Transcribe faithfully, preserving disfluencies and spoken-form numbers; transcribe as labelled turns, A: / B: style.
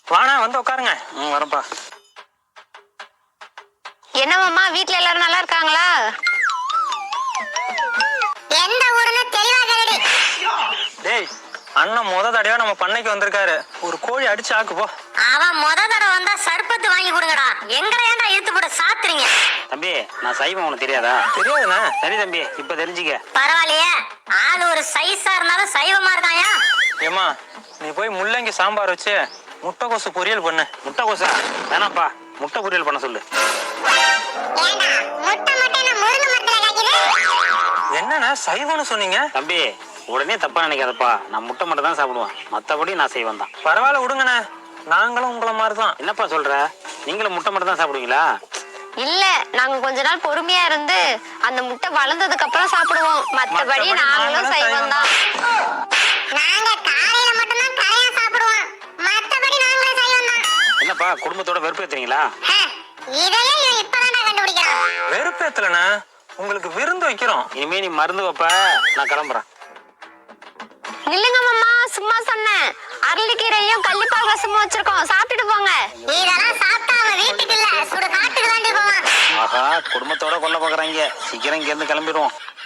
A: வாணா வந்து உட்காருங்க. ம் வரப்பா.
B: என்ன மாமா வீட்ல எல்லாரும் நல்லா இருக்காங்களா? எந்த ஊருன்னு தெளிவா கேளுடி.
A: டேய் அண்ணன் முத தடவை நம்ம பண்ணைக்கு வந்திருக்காரு. ஒரு கோழி அடிச்சு ஆக்கு போ.
B: அவன் முத தடவை வந்தா சர்பத்து வாங்கி கொடுங்கடா. எங்கடா ஏன்டா இழுத்து போட்டு சாத்துறீங்க?
C: தம்பி நான் சைவம் உனக்கு தெரியாதா?
A: தெரியாதுண்ணா.
C: சரி தம்பி இப்ப தெரிஞ்சுக்க.
B: பரவாயில்லையே ஆளு ஒரு சைஸா இருந்தாலும் சைவமா இருக்காயா?
A: ஏமா நீ போய் முள்ளங்கி சாம்பார் வச்சு முட்டைக்கோசு பொரியல் பண்ணு.
C: முட்டைக்கோசா வேணாப்பா, முட்டை பொரியல் பண்ண சொல்லு.
A: என்னண்ணா சைவம்னு சொன்னீங்க?
C: தம்பி உடனே தப்பா நினைக்காதப்பா, நான் முட்டை மட்டும் தான் சாப்பிடுவேன், மத்தபடி நான் செய்வேன் தான்.
A: பரவாயில்ல விடுங்கண்ணே, நாங்களும் உங்களை மாதிரிதான்.
C: என்னப்பா சொல்ற, நீங்களும் முட்டை மட்டும் தான் சாப்பிடுவீங்களா?
B: இல்ல நாங்க கொஞ்ச நாள் பொறுமையா இருந்து அந்த முட்டை வளர்ந்ததுக்கு அப்புறம் சாப்பிடுவோம். மத்தபடி நாங்களும் சைவம் தான். நாங்க காலையில மட்டும் தான் கரையா சாப்பிடுவோம். மத்தபடி நாங்களும் சைவம் தான்.
C: என்னப்பா குடும்பத்தோட வெறுப்பு ஏத்துறீங்களா?
B: இதையே இப்பதான் கண்டுபிடிக்கிறோம்.
A: வெறுப்பேத்தலண்ணா, உங்களுக்கு விருந்து வைக்கிறோம்.
C: இனிமே நீ மருந்து வைப்ப, நான் கிளம்புறேன்.
B: நில்லுங்க மாமா, சும்மா சொன்னேன். அரளிக்கீரையும் கள்ளிப்பால் ரசமும் வச்சிருக்கோம், சாப்பிட்டுட்டு போங்க. இதெல்லாம் சாப்பிட்டா அவன் வீட்டுக்கு இல்ல சுடு காட்டுக்கு தாண்டி போவான்.
C: ஆஹா குடும்பத்தோட கொல்ல பாக்குறாங்க, சீக்கிரம் இங்க இருந்து கிளம்பிடுவோம்.